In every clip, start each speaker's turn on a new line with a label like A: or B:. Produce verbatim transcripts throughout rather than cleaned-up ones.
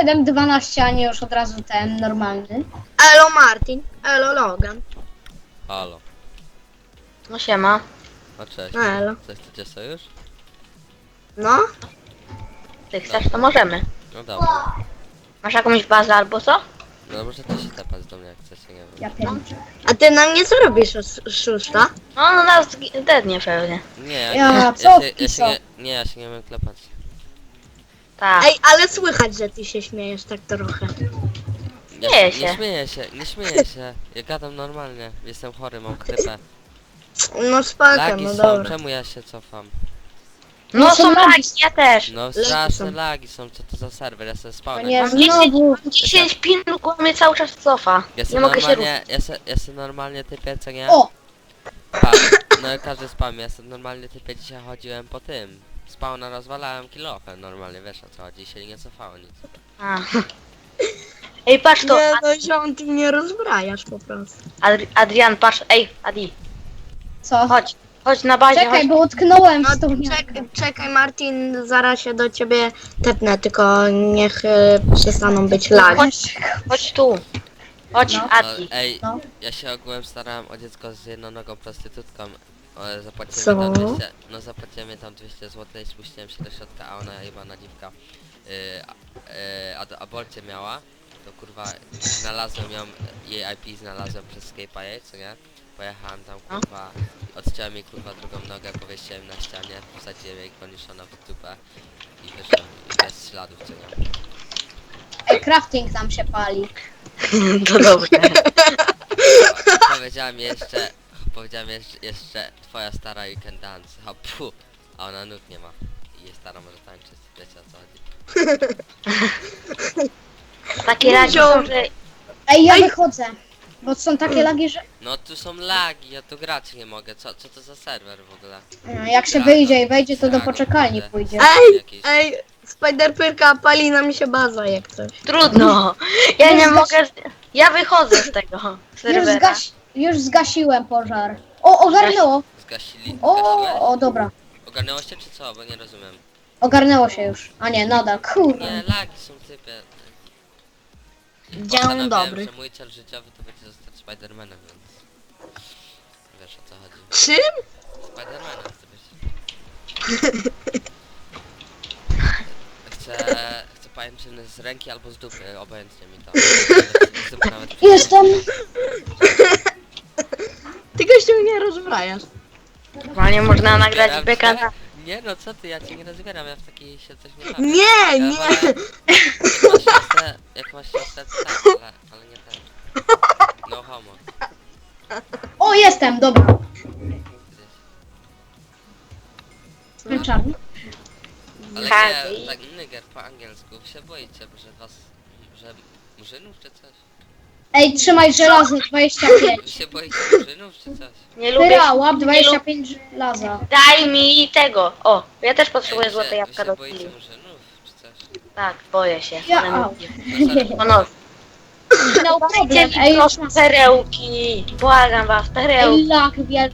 A: siedem dwanaście, a nie już od razu ten normalny.
B: Elo Martin, elo Logan.
C: Halo.
D: No siema.
C: No cześć.
B: No elo.
C: Coś chcecie sojusz?
B: No,
D: Ty chcesz, to możemy.
C: No dobra.
D: Masz jakąś bazę albo co?
C: No możecie się tepać do mnie jak chcecie, nie wiem.
A: Ja pierdolę.
B: a ty na mnie co robisz, sz- szósta?
D: No, no nas dednie pewnie.
C: Nie, ja,
A: Ja,
C: ja,
A: co
C: ja, się, ja się
A: wpisał?
C: nie, nie, ja się nie umiem klepać.
D: Tak.
B: Ej, ale słychać, że ty się śmiejesz tak trochę.
C: Ja,
D: Śmieję
C: Nie
D: się.
C: śmieję się, nie śmieję się. Ja gadam normalnie. Jestem chory, mam chrypę.
B: No spoko,
C: Lagi
B: no
C: są,
B: dobra.
C: czemu ja się cofam?
D: No
A: No są
D: są
A: lagi.
D: lagi, ja też.
C: No
B: są.
C: straszne lagi są, co to za serwer, ja sobie
A: To
C: spałem.
A: nie,
D: Mam dziesięć,
A: znowu.
D: mam dziesięć pinów, bo mnie cały czas cofa.
C: Ja
D: Nie
C: sobie
D: mogę się ruszyć.
C: normalnie, ja se, ja se normalnie typię, co nie?
A: O!
C: Pa, no każdy spam, ja sobie normalnie typię, dzisiaj chodziłem po tym. Spawna rozwalałem kilofę normalnie, wiesz o co chodzi, się nie cofało nic.
D: A. Ej, patrz to.
B: Nie, no ziom, ty mnie rozbrajasz po prostu.
D: Adri Adrian, patrz. Ej, Adi,
A: Co?
D: chodź. Chodź na bazie,
A: Czekaj,
D: chodź.
A: bo utknąłem
B: No
A: w tą
B: czekaj, czekaj Martin, zaraz się do ciebie tepnę, tylko niech y, przestaną być lagi.
D: Chodź, chodź tu. Chodź,
A: No.
C: No,
D: Adi.
C: ej,
A: No.
C: ja się ogółem starałem o dziecko z jednonogą prostytutką. O, zapłaciłem
B: Co?
C: mi tam dwieście, no zapłaciłem mi tam dwieście złotych i spuściłem się do środka, a ona chyba na dziwka. Yy, a, yy, a aborcję miała, to kurwa znalazłem ją, jej I P znalazłem przez Skype'a jej, co nie? Pojechałem tam kurwa, odciąłem jej kurwa drugą nogę, powiesiłem na ścianie, wsadziłem jej koniszona w dupę i wyszłem i bez śladów, co nie?
A: Ej, crafting tam się pali.
D: To dobrze.
C: Powiedziałem jeszcze, powiedziałem jeszcze, jeszcze twoja stara you can dance, a pu, a ona nóg nie ma i jej stara może tańczyć, wiecie o co chodzi.
D: Takie lagi są, że...
A: Ej, ja
B: Ej.
A: wychodzę. Bo są takie lagi, że...
C: No tu są lagi, ja tu grać nie mogę, co, co to za serwer w ogóle?
A: No, jak się
C: Dragon,
A: wyjdzie i wejdzie, to do
C: Dragon,
A: poczekalni
C: kurde.
A: pójdzie.
B: Ej,
C: Jakieś-
B: ej, Spiderpyrka pali nam się baza jak coś.
D: Trudno. Ja
A: Już
D: nie
A: zgas-
D: mogę... Ja wychodzę z tego
A: Już,
D: serwera.
A: zgas... już zgasiłem pożar. O, ogarnęło.
C: Zgasili, zgasiłeś?
A: O, o, dobra.
C: Ogarnęło się czy co, bo nie rozumiem.
A: Ogarnęło się już. A nie, nadal,
C: Nie,
A: kurde.
C: lagi są typie.
B: Dzień
C: Postanowiłem,
B: dobry.
C: że mój cel życiowy to będzie zostać Spidermanem, więc... Wiesz o co chodzi.
B: Czym?
C: Spidermanem chcę być. Chcę... Chcę pajęczyny z ręki albo z dupy, obojętnie mi to. Nawet z dupy nawet...
A: Jestem.
B: Ty gościu mnie rozbrajasz.
D: Normalnie można nagrać
C: Zbieram
D: beka
C: się.
D: na...
C: Nie no co ty, ja cię nie rozbieram, ja w takiej się coś nie bawię.
B: Nie,
C: Ja
B: nie.
C: wolę- Jak masz siostrę, jak masz siostrę, to tak, ale, ale nie ten. No homo.
A: O, jestem, dobra.
C: Gdzieś.
A: Ten czarny.
C: Ale
D: Tak,
C: nie,
D: i-
C: tak nyger po angielsku, wy się boicie, że was, że murzynów czy coś?
A: Ej, trzymaj żelazo dwadzieścia
C: Wy
A: pięć.
C: się boicie murzynów czy coś?
D: Nie lubię...
A: Pyra, łap
D: nie
A: dwadzieścia
D: lubię...
A: pięć żelaza.
D: Daj mi tego. O, ja też
C: Ej,
D: potrzebuję
C: wy
D: złote
C: się,
D: jabłka
C: wy się
D: do
C: boicie
D: chwili.
C: murzynów czy coś?
D: Tak, boję się.
A: Ja,
D: ale
A: au.
D: mówię.
C: No sorry.
D: O no,
A: No
D: dajcie
A: problem.
D: mi
A: Ej,
D: proszę perełki. Błagam was, perełki.
A: ej, lak wielki.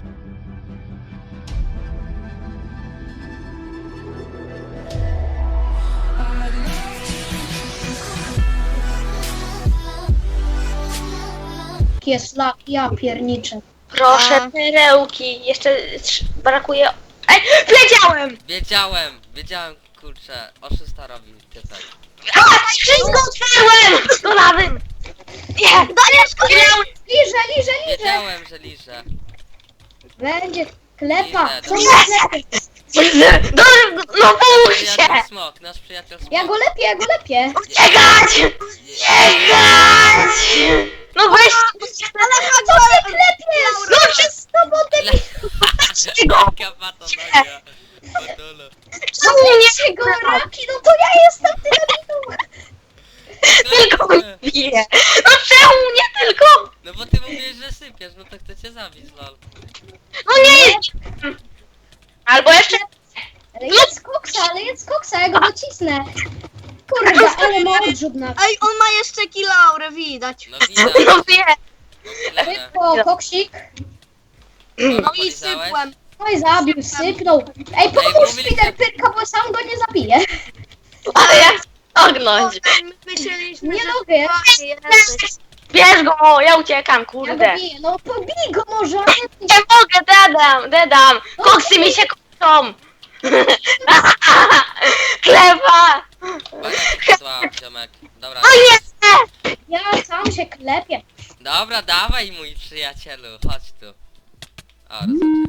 A: Jest lak, ja pierniczę.
D: Proszę
B: A.
D: perełki. Jeszcze trz- brakuje... Ej, wiedziałem!
C: Wiedziałem, wiedziałem, kurczę, oszusta robi typek.
D: A, wszystko otwarłem! Do lawy! Nie, dajesz kolejną!
A: Liże, liże, liże.
C: Wiedziałem, że liże.
A: Będzie klepa.
C: Liże,
A: Co
C: dobra.
A: ma klepy?
D: No, no bój
C: Nasz
D: się!
C: przyjaciel smok, nasz przyjaciel smok.
A: Ja go lepiej, ja go lepiej.
D: Uciekać!
C: Je-
D: Uciekać! No weź!
B: Ale chodź,
A: Co ty klepiesz?
D: No przez
A: tobą ty
D: tego!
C: Jaka bata nagia. Podole.
D: Czemu nie
A: go raki, no to ja jestem dynamitu.
D: tylko mnie bije? No czemu nie tylko?
C: No bo ty mówisz, że sypiesz, no to chcę cię zabić, lol.
D: No nie! Albo jeszcze...
A: Ale jedz koksa, ale jedz koksa, ja go docisnę. Kurde, ale ma odrzut na...
B: Ej, on ma jeszcze kilaurę, widać.
C: No widać.
D: No wie!
C: No tyle.
A: Szybko, koksik.
B: No i
C: Polizałeś?
B: sypłem.
A: No i zabił, sypnął. Ej, pomóż
C: mówiliście-
A: Spider Pyrka, bo sam go nie zabije.
D: Ale jak ognąć.
B: Myśleliśmy,
A: Nie
B: że
A: mogę.
B: ty jesteś.
D: Bierz go, ja uciekam,
A: Ja go
D: kurde.
A: biję, no pobij go może.
D: Nie mogę, dedam, dedam. Koksy mi się kończą. Chleba.
C: Bania ci padła, ziomek. Dobra,
D: O nie!
A: Ja sam się klepię.
C: dobra, dawaj mój przyjacielu, chodź tu. O, rozłączyli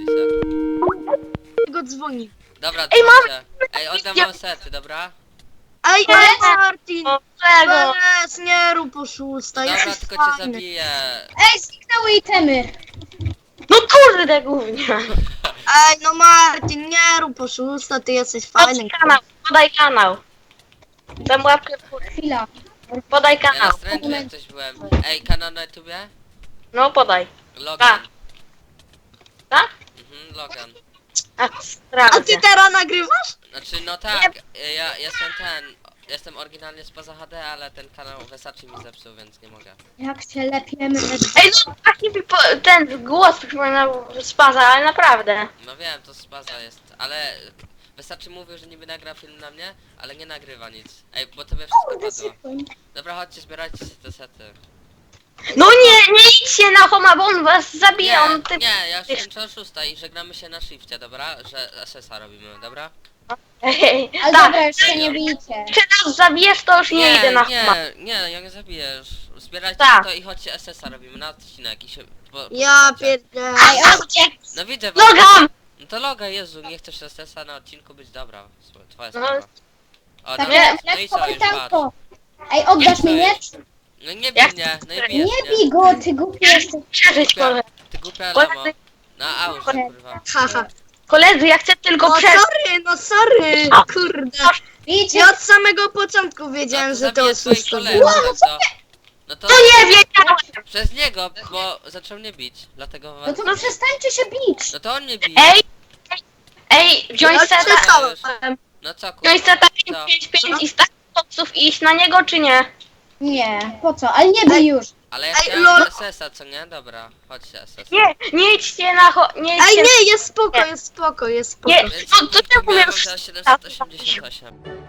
C: się.
B: Go dzwoni.
C: Dobra,
D: Ej, mam-
C: dzwońcie. Ej, oddam wam sety, dobra?
B: Ej, ej, Martin!
D: O, czego?
B: Bez, nie rób oszusta,
C: Dobra,
B: jesteś
C: tylko cię
B: fajny.
C: zabiję.
A: Ej, zniknęły itemy.
D: No kurde, głównie.
B: Ej, no Martin, nie rób oszusta, ty jesteś fajny.
D: Podaj kanał, podaj kanał. Dam łapkę w górę.
A: Chwila.
D: Podaj
C: Ja na
D: kanał.
C: stręczu jak coś byłem. Ej, kanał na YouTubie?
D: No podaj.
C: Logan.
D: Tak?
C: Mhm, Logan.
D: A,
B: A ty
D: sprawdzę.
B: teraz nagrywasz?
C: Znaczy, no tak, ja jestem ten, jestem oryginalnie spoza H D, ale ten kanał Versace mi zepsuł, więc nie mogę.
A: Jak się lepiemy.
D: Ej, no taki mi po, ten głos przypominał spaza, ale naprawdę.
C: No wiem, to spaza jest, ale Versace mówił, że niby nagra film na mnie, ale nie nagrywa nic. Ej, bo tobie
A: Kurde,
C: wszystko padło.
A: sypłem.
C: Dobra, chodźcie, zbierajcie się te sety.
D: No nie, nie idźcie na Homa, bo on was zabije,
C: Nie,
D: on ty...
C: nie, ja już kończę o szóstej i żegnamy się na shifcie, dobra? Że S S a robimy, dobra?
D: Ej,
A: Ale
D: tak,
A: dobra, już się nie bijcie.
D: czy nas zabijesz, to już nie, idę na Homa.
C: nie, nie, ja nie zabijesz. Zbierajcie
D: Tak.
C: to i chodźcie S S a robimy na odcinek i się... Po,
B: Ja
C: poznacie.
B: pierdolę.
A: Ej, chodźcie.
C: No widzę was.
D: Nogam!
C: No to loga, Jezu, nie chcesz S S a na odcinku być, dobra. Słuchaj, twoja
D: No.
C: sprawa. O,
A: Tak,
C: dobra,
A: jak
C: no i
A: lekko
C: co, już patrz.
A: pytanko. Ej, oddasz mi miecz?
C: No nie bij
D: Jak-
C: mnie, no i
D: Nie
C: bijesz
A: Nie
C: mnie.
A: bij go, ty głupi jesteś.
D: Przeżyć,
C: Głupia,
D: koledzy.
C: ty głupia
D: Koledzy.
C: lamo. Na aurze, kurwa.
B: Haha.
D: Koledzy, ja chcę tylko
B: No
D: przeżyć.
B: sorry, no sorry, kurde.
A: Bijcie.
B: Ja od samego początku
C: No
B: wiedziałem,
C: to
B: że to
C: zabiję swoich
B: oszusta
C: kolegów,
B: było.
C: no to... No to
D: No nie wiedziałem!
C: przez niego, bo zaczął mnie bić, dlatego
A: No
C: was...
A: to przestańcie się bić.
C: No to on mnie bije.
D: Ej! Ej, wziąć
B: Ja
D: seta,
B: przestałem.
C: No co, kurwa?
D: wziąć seta
C: Co?
D: pięć pięć pięć i stać koksów i iść na niego, czy nie?
A: Nie, po co? Ale nie bij już.
C: Ale ja
B: Ej,
C: chciałem
B: lol.
C: S S a, co nie? Dobra, chodźcie S S a.
D: Nie, nie idźcie na ho... Nie
B: Ej,
D: idźcie
B: nie, jest spoko, jest spoko, jest spoko.
D: Nie,
C: Więc
D: to, to
C: nikt
D: czemu
C: miał
D: już...
C: za siedemset osiemdziesiąt osiem.